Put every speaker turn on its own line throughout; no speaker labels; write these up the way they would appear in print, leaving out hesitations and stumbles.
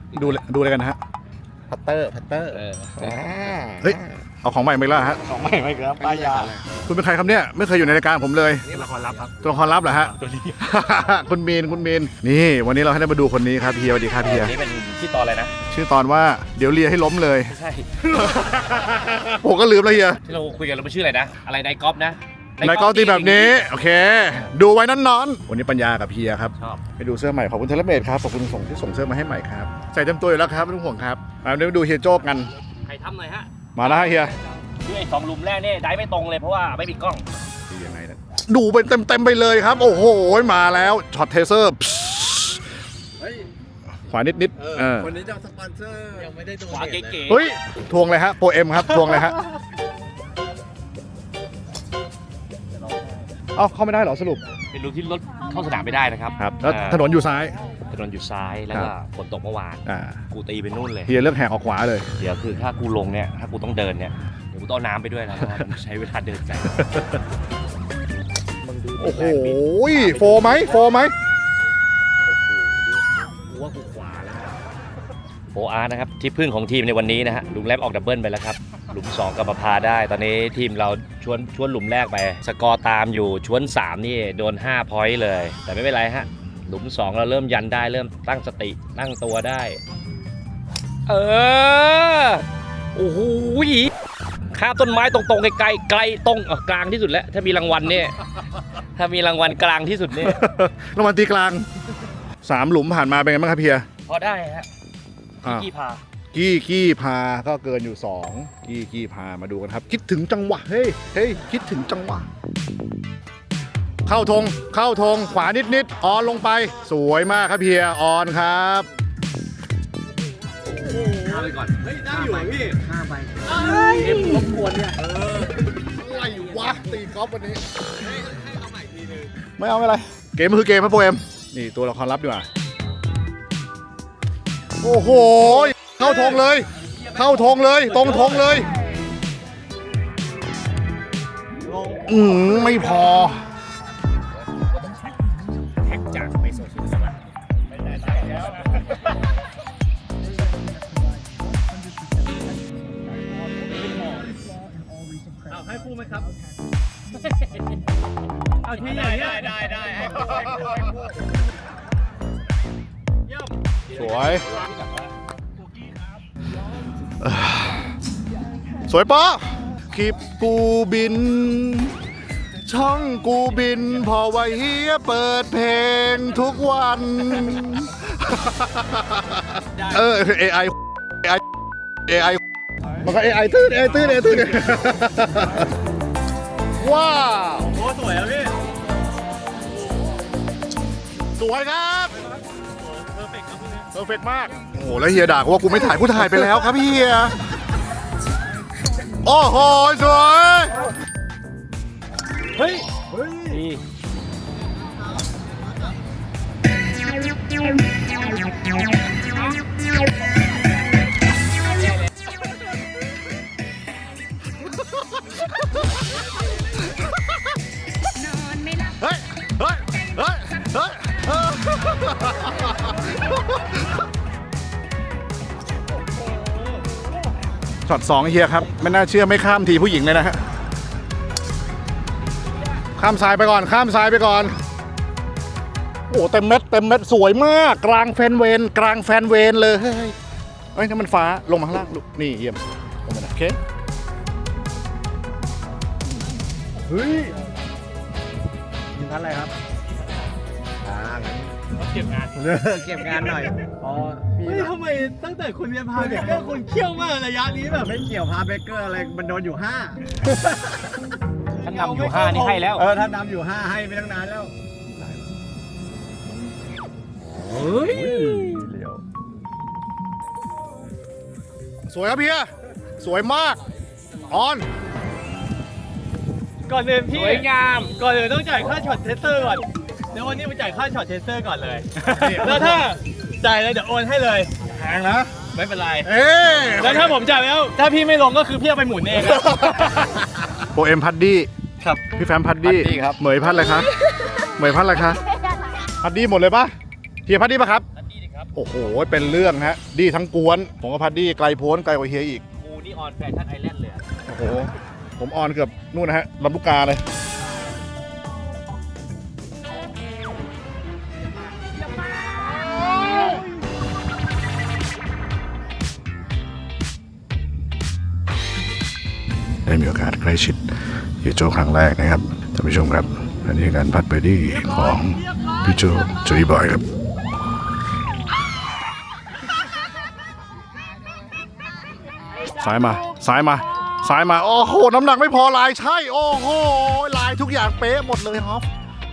ดูอะไรกันนะฮะพัตเตอร์เฮ้ยเอาของใหม่มาแล้วฮะ
ของใหม่ไหมครับป้ายา
คุณเป็นใครครับเนี่ยไม่เคยอยู่ในรายการผมเลย
นี่ละครลับครับ
ตัวละครลับเหรอฮะ
ตัวนี้
คุณมีนนี่วันนี้เราให้ได้มาดูคนนี้ครับเฮียสวัสดีครับเฮีย
นี่เป็นที่ตอนอะไรนะ
ชื่อตอนว่าเดี๋ยวเลียให้ล้มเลย
ไม่ใช่
ผมก็ลืมแล้วเฮีย
ที่เราคุยกันเราไม่ชื่ออะไรนะอะไรไดกอล์ฟนะ
ไดกอล์ฟตีแบบนี้โอเคดูไว้นอนวันนี้ปัญญากับเฮียครับ
ชอบ
ไปดูเสื้อใหม่ขอบคุณเทเลเมดครับขอบคุณที่ส่งเสื้อมาให้ใหม่ครับใส่เต็มตัวอยู่แล้วครับไม่ต้องห่วงครับมาดูเฮียโจ๊กกัน
ใครทำหน่อยฮะ
มาแล้วเฮีย
คือไอ้2 หลุมแรกเนี่ยได้ไม่ตรงเลยเพราะว่าไม่มีกล้อง
ยังไงนะดูไปเต็มไปเลยครับโอ้โหมาแล้วช็อตเทเซอร์ขวานิด
คนนี้จะสปอนเซอร์ยังไม่ได้ดู
ขวาเก๋
ๆเฮ้ยทวงเลยฮะโปรเอ็มครับทวงเลยฮะเอ้าเข้าไม่ได้เหรอสรุป
เป็นรูที่รถเข้าสนามไม่ได้นะครับ
ครับแล้วถนนอยู่ซ้าย
แล้วก็ฝนตกเมื่อวานกูตีไปนู่นเลย
เฮียเลือกแหกออกขวาเลย
เดี๋ยวคือถ้ากูลงเนี่ยถ้ากูต้องเดินเนี่ยเดี๋ยวกูต้องน้ำไปด้วยนะเพราะว่าใช้เวลาเดินไกล
โอ้โหโฟไหม
ว่ากูขวาแล้วโฟอาร์นะครับที่พึ่งของทีมในวันนี้นะฮะหลุมแรกออกดับเบิลไปแล้วครับหลุม2กับประพาได้ตอนนี้ทีมเราชวนหลุมแรกไปสกอร์ตามอยู่ชวน3นี่โดน5 พอยต์เลยแต่ไม่เป็นไรฮะหลุม2เราเริ่มยันได้เริ่มตั้งสติตั้งตัวได้โอ้โหข้ามต้นไม้ตรงๆไกลตรงกลางที่สุดแล้วถ้ามีรางวัลเนี่ยถ้ามีรางวัลกลางที่สุดเนี่ย
รางวัลตีกลาง3 หลุมผ่านมาเป็นไงบ้างครับเพีย
พอได้ฮะ
กี้พาก็เกินอยู่2กี้พามาดูกันครับคิดถึงจังหวะเฮ้ยคิดถึงจังหวะเข้าธงขวานิดออนลงไปสวยมากครับเพียออนครับ
ข้าไปก่อน
เฮ้ยได้อยู่พี่ข้าไป
เอ็มรบกวนเนี่ย
อะไรวะตีกอล์ฟวันนี้ให้เอาใหม่ทีนึงไม่เอาอะไรเกมคือเกมครับโปรเอ็มนี่ตัวละครลับดีกว่าโอ้โหเข้าธงเลยตรงธงเลยไม่พอ
แท็กจากไปโซเชียลละไม่ได้แล้วนะเอาให้คู่ไหมครับเอาที่ไหนได้ให้คู่
สวยปะคลิปกูบินช่องกูบินพอไว้เฮียเปิดเพลงทุกวัน AI มันก็ AI ตื้นว้าว
โอ้สวยอ่ะพี่
สวยครับเพอร์เฟกต์มากโอ้โหแล้วเฮียด่าว่ากูไม่ถ่ายกูถ่ายไปแล้วครับเฮียโอ้โหสวย
เฮ้ย
ช็อต2เฮียครับไม่น่าเชื่อไม่ข้ามทีผู้หญิงเลยนะฮะข้ามซ้ายไปก่อนโอ้เต็มเม็ดสวยมากกลางแฟนเวนเลยเฮ้ยนั่นมันฟ้าลงมาข้างล่างลูกนี่เยี่ยมลงมาโอเคเฮ้ย
มีท่านอะไรครับ
เก็บง
านหน่อยอ๋อพี่ทำไมตั้งแต่คุณเรียนพาเบเกอร์คุณเขี้ยวมากระยะนี้แบบไม่เกี่ยวพาเบเกอร์อะไรมันโดนอยู่5
ท่านนำอยู่5นี่ให้แล้ว
ท่านนำอยู่5ให้ไปตั้งนานแล้ว
เฮ้ย
สวยครับเพียสวยมากออน
ก่อนอื่นพี่สวยงามก่อนอื่นต้องจ่ายค่าช็อตเทสเตอร์ก่อนเดี๋ยววันนี้ไปจ่ายค่าช็อตเทสเตอร์ก่อนเลยแล้วถ้าจ่ายเลยเดี๋ยวโอนให้เลย
แพงนะ
ไม่เป็นไรแล้วถ้าผมจ่ายแล้วถ้าพี่ไม่ลงก็คือพี่เอาไปหมุนเอง
โปรเอ็มพัดดี้
ครับ
พี่แฟมพัดดี้
ครับ
เหมยพัดอะไรคะพัดดี้หมดเลยปะเฮียพัดดี้ปะครับโอ้โหเป็นเรื่องฮะดีทั้งกวนผมกับพัดดี้ไกลโพ้นไกลกว่าเฮียอีก
กูนี่ออนแฟชั่นไอแลนด์เลย
โอ้โหผมออนเกือบนู่นนะฮะลำลูกกาเลยได้มีโอกาสใกล้ชิดพี่โจครั้งแรกนะครับท่านผู้ชมครับอันนี้คือการพัดเบอร์ดี้ของพี่โจจุยบอยครับซ้ายมาซ้ายมาซ้ายมาโอ้โหน้ำหนักไม่พอลายใช่โอ้โหลายทุกอย่างเป๊ะหมดเลยฮอฟ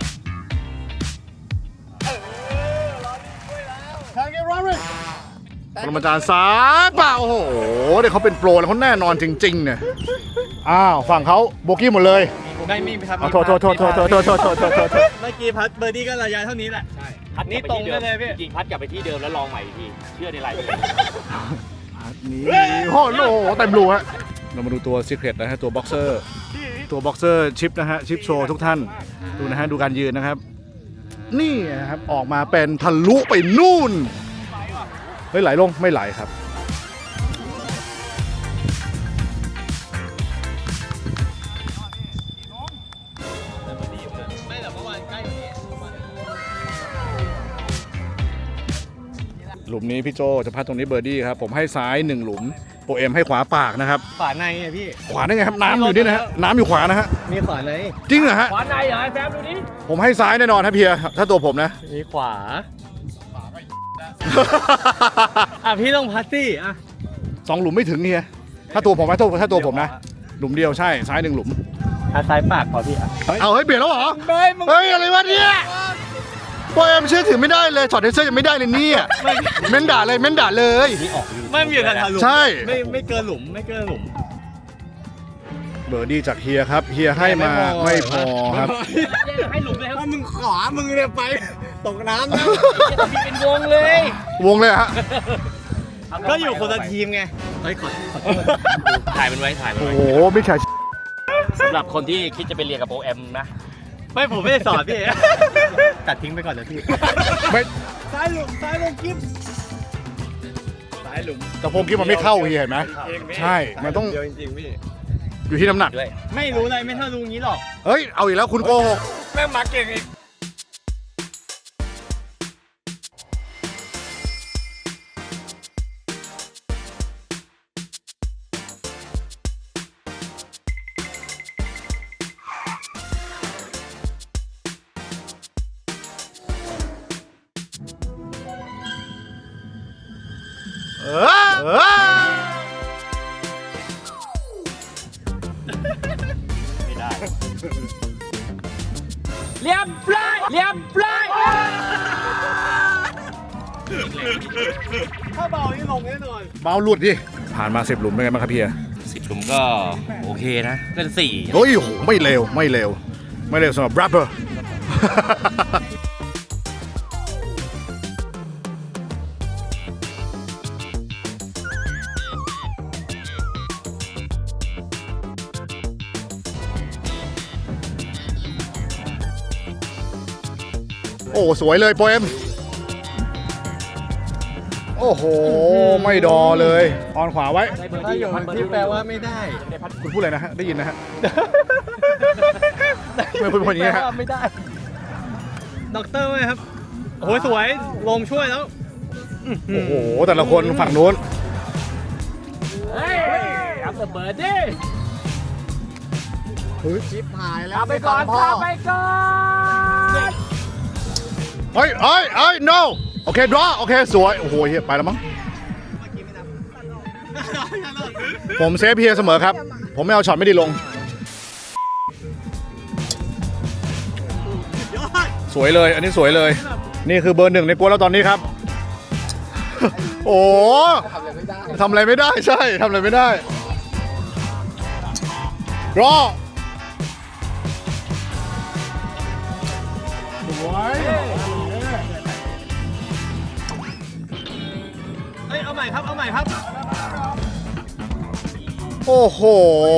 ปรมาจารย์ซ้ายเปล่าโอ้โหเดี๋ยวเขาเป็นโปรแล้วเขาแน่นอนจริงๆเนี่ยอ้าวฝั่งเขาโบกี้หมดเลย
ไม่มีครับ
โทษเ
มื่อกี้พัดเบอร์ดี้ก็ระยะเท่านี้แหละใช่พัดนี่ตรงไปเลยพี่
จริงพัดกลับไปที่เดิมแล้วลองใหม่อีกทีเชื่อในลาย
นี่โอ้โหเต็มรูฮะเรามาดูตัวซีเครตนะฮะตัวบ็อกเซอร์ชิปนะฮะชิปโชว์ทุกท่านดูนะฮะดูการยืนนะครับนี่นะครับออกมาเป็นทะลุไปนู่นเฮ้ยไหลลงไม่ไหลครับหลุมนี้พี่โจจะพัดตรงนี้เบอร์ดี้ครับผมให้ซ้าย1หลุมโปรเอ็มให้ขวาปากนะครับ
ขวาในไงพี่
ขวาได้ไงครับน้ำอยู่นี่นะฮะน้ำอยู่ขวานะฮะ
มีขวาใน
จริงเหรอฮะ
ขวาในเหรอไอ้แฟมดูดิ
ผมให้ซ้ายแน่นอนครับเพียถ้าตัวผมนะ
มีขวาพี่ต้องพัดสิ
2หลุมไม่ถึงเฮียถ้าตัวผมนะถ้าตัวผมนะหลุมเดียวใช่ซ้าย1หลุม
ซ้ายปากพอพี่
เอาเฮ้ยเปลี่ยนแล้วเหรอ
เ
ฮ้ยอะไรวะเนี่ยโปรเอ็มเชื่อถือไม่ได้เลยช็อตเทเซอร์ยังไม่ได้เลยเนี่ยเม้นด่าเลย
ไม่มีทางหลุม
ใช่
ไม่เกินหลุมไม่เกินหลุม
เบอร์ดี้จากเฮียครับเฮียให้มาไม่พอครับ
ให้หลุมเลยครับ
มึงขวามึงเนี่ยไปตกน้ำแล้ว
มีเป็นวงเลยว
งเลยฮะ
ก็อยู่คนละทีมไงเฮ้ยขอโทษ
ถ่ายมันไว้ถ่ายมัน
โอ้
ไว้
โหไม่ใช่
สำหรับคนที่คิดจะไปเรียนกับโปรแอมนะ
ไม่ผมไม่ได้สอนพี่ตัดทิ้งไปก่อนเลยพี่
ไม่
ซ้ายหลุมกิ๊บซ้ายหลุม
แต่พงกิ๊บมันไม่เข้าเฮียเห็นไหมใช่มันต้อง
จริงๆพี่
อยู่ที่น้ำหนัก
ไม่รู้อะไรไม่เท่ารู้งี้หรอก
เฮ้ยเอาอีกแล้วคุณโกหก
แม่งมาเก่งอีก
ไม่ได้เรียบร้อย
ถ้าเบานี่ลงแน่นอน
เบาหลุดดิผ่านมา10หลุมเป็นไงบ้างครับเพีย
10หลุมก็โอเคนะเป็น4
โอ้ยโหไม่เร็วสำหรับแรปเปอร์โอ้สวยเลยโปเอมโอ้โหไม่ดอเลยออนขวาไว้
ถ้าอยู่ที่แปลว่าไม่ได้
คุณพูดอะไรนะฮะได้ยินนะฮะไม่พูดอย่างนี้ฮะ
ไม่ได้ด็อกเตอร์ไหมครับโอ้โหสวยลงช่วยแล้ว
โอ้โหแต่ละคนฝั่งนู้น
เฮ้ยเอาเบิร์ดดิ
ชิปหายแล้ว
ไปก่อน
เฮ้ย no โอเค draw โอเคสวยโอ้โหเฮียไปแล้วมั้งผมเซฟเฮียเสมอครับผมไม่เอาช็อตไม่ดีลงสวยเลยอันนี้สวยเลยนี่คือเบอร์ 1ในกวนแล้วตอนนี้ครับโอ้ทำอะไรไม่ได้ใช่ทำอะไรไม่ได้ draw สวย
เอาใหม่ครับ
โอ้โห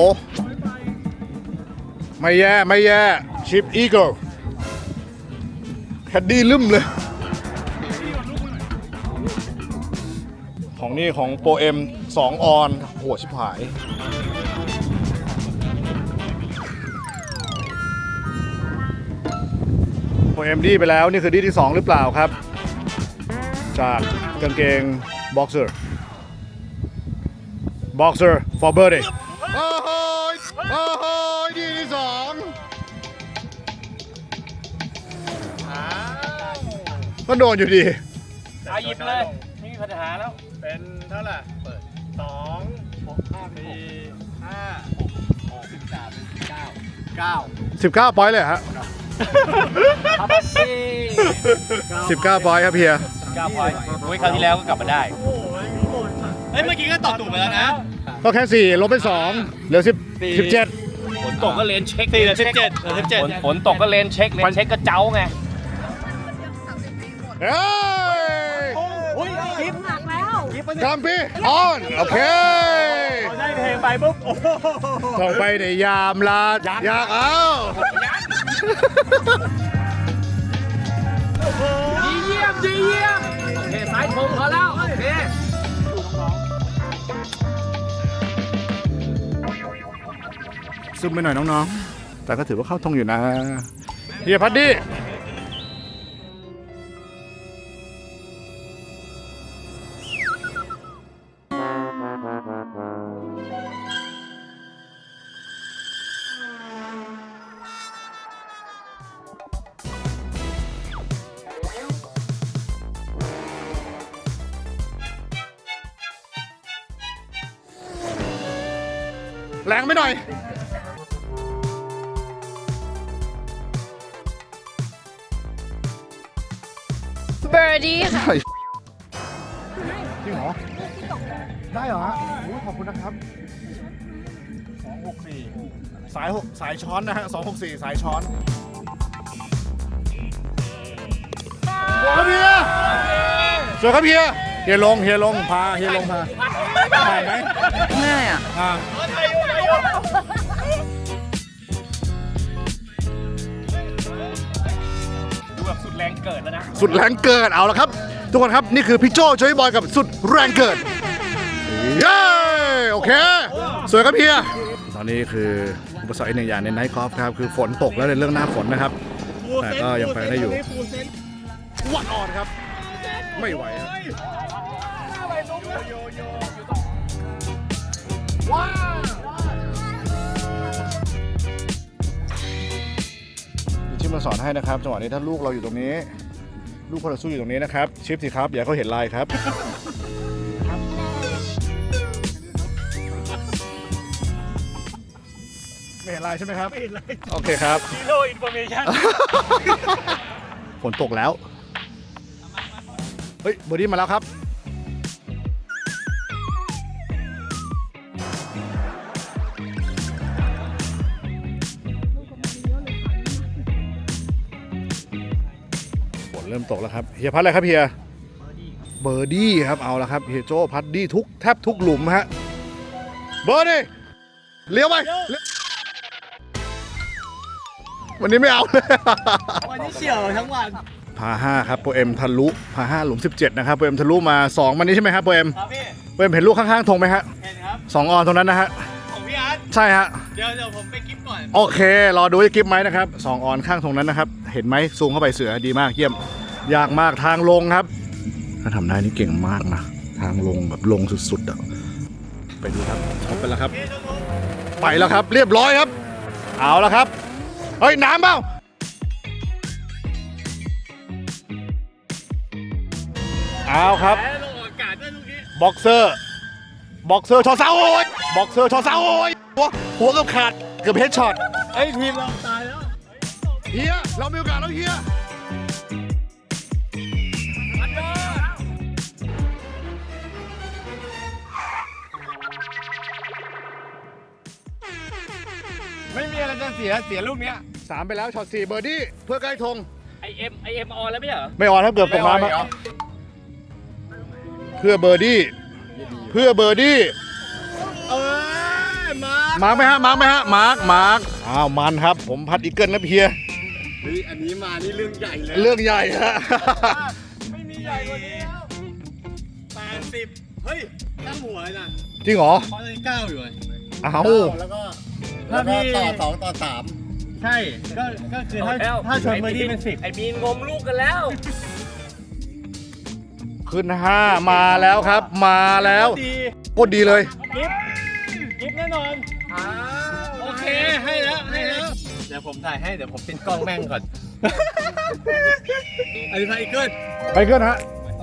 ไม่แย่ชิปอีเกิลแคดดี้ลืมเลยของนี่ของโปรเอ็ม2 ออนโหชิบหายโปรเอ็มดีไปแล้วนี่คือดีที่ 2 หรือเปล่าครับ จากกางเกงบ็อกเซอร์for birthday โอ้โหดีที่ 2ก็โดนอยู่ดี
เอาหยิบเลยไม่มีปัญหาแล้ว
เป็นเท่าไหร่เปิด2 6 5 4 5 6 13 19
19 ปอยต์เลยเหรอฮะ
เอามาสิ
19 ปอยต์ครับเฮีย
9 พอยต์โอ้ยคราวที่แล้วก็กลับมาได้
โอ้ยโหดมาก
เฮ้ย เมื่อกี้ก็ตอบถูกไปแล้วนะ
ก็แค่ 4 ลบไป 2 เหลือ 17
ฝนตกก็เลนเช็ค4เหลือ17ฝนตกก็เลนเช็คก็เจ้าไง
เฮ้ย
อุ้ยคลิป
หนักแล้ว
กัมพี่ออนโอเค
ได้เพลงไปปุ๊บโอ้โห
ต้องไปในยามลาอยากเอา
ดีเยี่ยม โอเคสายธงพอแล้ว โอเค
ซึมไปหน่อยน้องๆ แต่ก็ถือว่าเข้าทงอยู่นะเฮียพัดดี้แรงไปหน่อย
เบอร์ดี้ค่ะ
จริงเหรอ ได้เหรอฮะโอ้ยขอบคุณนะครับ 264 สายช้อนนะฮะ 264 สายช้อนสวยครับเฮียสวยครับเฮียเฮียลงพาเฮียลงพาถ่ายไหม
ง่ายอ่ะ
อ่า
ดูแบบสุดแรงเกิดแล้วนะ
สุดแรงเกิดเอาละครับ ทุกคนครับ นี่คือพี่โจ้จอยบอยกับสุดแรงเกิด เย้โอเค สวยครับเฮียตอนนี้คืออุปสรรคอีกหนึ่งอย่างในไนท์กอล์ฟครับ คือฝนตกแล้วในเรื่องหน้าฝนนะครับ แต่ก็ยังไปได้อยู่ วัดออนครับ ไม่ไหวครับชิปมาสอนให้นะครับจังหวะนี้ถ้าลูกเราอยู่ตรงนี้ ลูกพอเราสู้อยู่ตรงนี้นะครับ ชิปสิครับ อย่าให้เขาเห็นลายครับ ไม่เห็นลายใช่ไหมครับ ไม่เห็นลายโอเคครับ
Zero information
ฝนตกแล้ว เฮ้ยเบอร์ดี้มาแล้วครับ ฝนเริ่มตกแล้วครับ เฮียพัดอะไรครับเฮีย เบอร์ดี้ครับ เอาละครับ เฮียโจ้พัดดี้แทบทุกหลุมฮะ เบอร์ดี้เลี้ยวไปเลี้ยววันนี้ไม่เอาเลย
วันนี้เฉียวทั้งวัน
พา5ครับโปรเอ็มทะลุพา5หลุม 17 นะครับโปรเอ็มทะลุมา 2 มันนี้ใช่ไหมครับโปรเอ็ม
ครับพี่
โปรเอ็มเห็นลูกข้างๆธงไหมฮะ
เห็นครับ
2 ออนตรงนั้นนะฮะ
ของพี่อาร์ต
ใช่ฮะ
เดี๋ยวผมไปคลิปก่อน
โอเค รอดูว่าจะกิฟไหมนะครับ 2 ออนข้างตรงนั้นนะครับ เห็นไหมซูมเข้าไปเสือดีมากเยี่ยม ยากมากทางลงครับ ถ้าทำได้นี่เก่งมากนะ ทางลงแบบลงสุดๆอ่ะไปดูครับช็อปไปแล้วครับ ไปแล้วครับ เรียบร้อยครับ เอาแล้วครับ เฮ้ย น้ำเปล่าเอาครับ
แพ้ลงอากาศด้วยลูกนี้
บ็อกเซอร์ชอเสาโอ้ยบ็อกเซอร์ชอเสาโอ้ยหัวเกือบขาดเกือบเฮดช็อต
เฮ้ยทีมเราตายแล้ว
เฮียเรามีโอกาสแล้วเฮีย
ไม่มีอะไรจะเสียลูกเนี้ย
3ไปแล้วช็อต4เบอร์ดี้เพื่อใกล้ธง
ไอเอ็มออนแล้วไม่ใช่เหรอ
ไม่ออนถ้าเกือบตกน้ำครับเพื่อเบอร์ดี้
เออมา
มาร์กไหมฮะอ้าวมันครับผมพัดอีเกิลนะเฮีย
เฮ้ยอันนี้มานี่เรื่องใหญ่เลย
เรื่องใหญ่ฮะ
ไม่มีใหญ่กว่านี้แล้ว80 เฮ้ยตั้งหัวเลยนะ
จริงเหรอ
เพราะตอนนี้9อยู่เลย
เอ้า
แล้วก็
ถ้า
ถ้า
พี่
พี่
ต่อ2ต่อ
ใช่ก็คือถ้าชนเบอร์ดี้เป็น10
ไอ้บีนงมลูกกันแล้ว
ขึ้น5มาแล้วครับ มาแล้ว
ดี
โคตรดีเลย
กิฟแน่นอนโอเคให้แล้วเดี๋ยวผมถ่ายให้เดี๋ยวผมปิดกล้องแม่งก่อนอันนี้พายเกิล
ไปขึ้นฮะ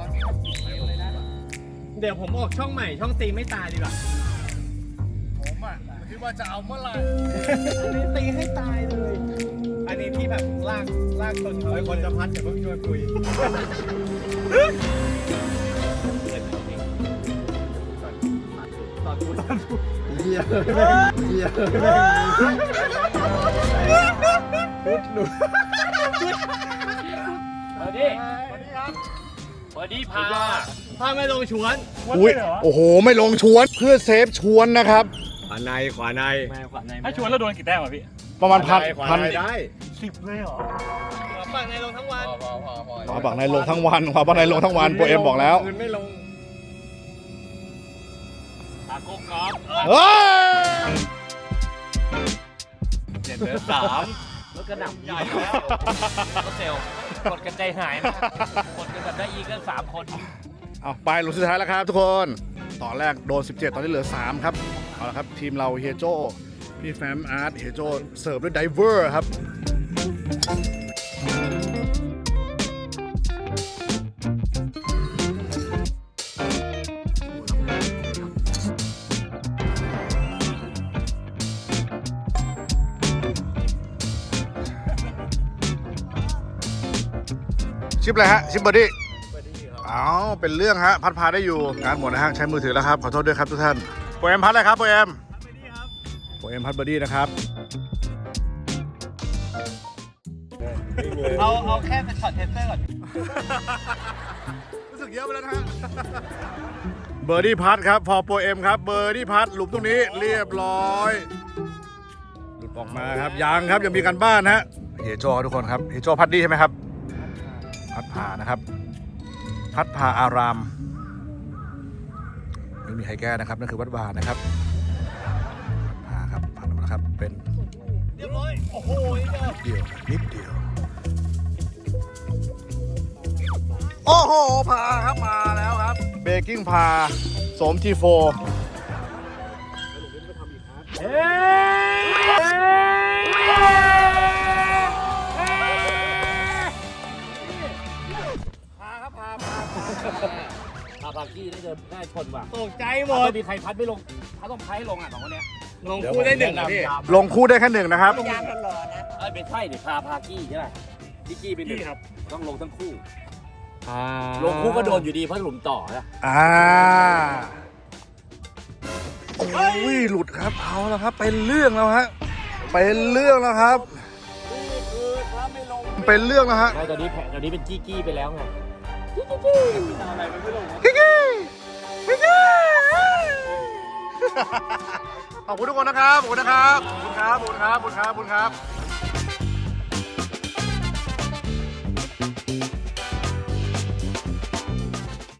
เดี๋ยวผมออกช่องใหม่ช่องตีไม่ตายดีกว่า
ผมอ่ะคิดว่าจะเอาเมื่อไหร่
อันนี้ตีให้ตายเลย อันนี้ที่แบบลากชนเขาไอ้คนจะพัดเดี๋ยวเพิ่งชวนคุยตอนเฮียหนู
เบอร์ดี้พา
ถ้าไม่ลงชวน
อุ้ยโอ้โห ไม่ลงชวนเพื่อเซฟชวนนะครับ
ขวาใน
ถ้าชวนแล้วโดนกี่แต้มอ่ะพี่
ประมาณพัน
ได้
10 เลยเหรอ
ฝั่งในลงทั้งวัน
ขวาบักในลงทั้งวันขวาบักในลงทั้งวันโปรเอ็มบอกแล้ว
คืนไม่ลง
ตาโก้กอล์ฟ
เฮ้ย
เหลือ3รถกระหน่ำใหญ่แล้วรถเซลล์กดกันใจหายนะกดกันแบบได้อีกกัน3 คน
เอาไปหลุมสุดท้ายแล้วครับทุกคน ตอนแรกโดน 17 ตอนนี้เหลือ 3 ครับ เอาละครับ ทีมเราเฮียโจพี่แฟมอาร์ตเฮียโจเสิร์ฟด้วยไดเวอร์ครับ ชิปอะไรฮะ ชิปเบอร์ดี้อ้าวเป็นเรื่องฮะ พัดพาได้อยู่งานหมดนะฮะ ใช้มือถือแล้วครับ ขอโทษด้วยครับทุกท่านโปรเอ็มพัดอะไรครับโปรเอ็มพัดเบอร์ดี้นะครับ
เอาแค่เป็นช็อตเทสเตอร์ก่อน
รู้สึกเยอะไปแล้วนะฮะ เบอร์ดี้พัดครับ พอโปรเอ็มครับ เบอร์ดี้พัดหลุมตรงนี้เรียบร้อยหลุดออกมาครับยังครับยังมีการบ้านฮะเฮโจทุกคนครับเฮโจพัดดีใช่ไหมครับ พัดพานะครับ พัดพาอารามไม่มีใครแก้นะครับนั่นคือวัดวานะครับพัดพาครับผ่านมาแล้วครับเป็น
เรียบร้อย โอ้โหนี่เดียว
นิดเดียว โอ้โหพาครับมาแล้วครับเบกกิ้งพาสมทีโฟ
พาพากี้ได้ชนว่ะ
ตกใจหมด
ไม่มีใครพัดไม่ลงถ้าต้องพัดให้ลงอ่ะ2 คนเนี้ย
ลงคู่ได้1นะพี่
ลงคู่ได้แค่1นะครับ
ไม่ใช่ดิพากี้ใช่ไหมพี่กี้เป็น1ครับต้องลงทั้งคู่ลงคู่ก็โดนอยู่ดีเพราะหลุมต่อนะ
โอ้ยหลุดครับเอาแล้วครับเป็นเรื่องแล้วฮะเป็นเรื่องแล้วครับเป็นเรื่องแล้วฮะ
ไม่ตอนนี้เป็นกี้ไปแล้วไง
ขอบคุณทุกคนนะครับขอบคุณนะครับขอบคุณครับขอบคุณครับขอบคุณครับ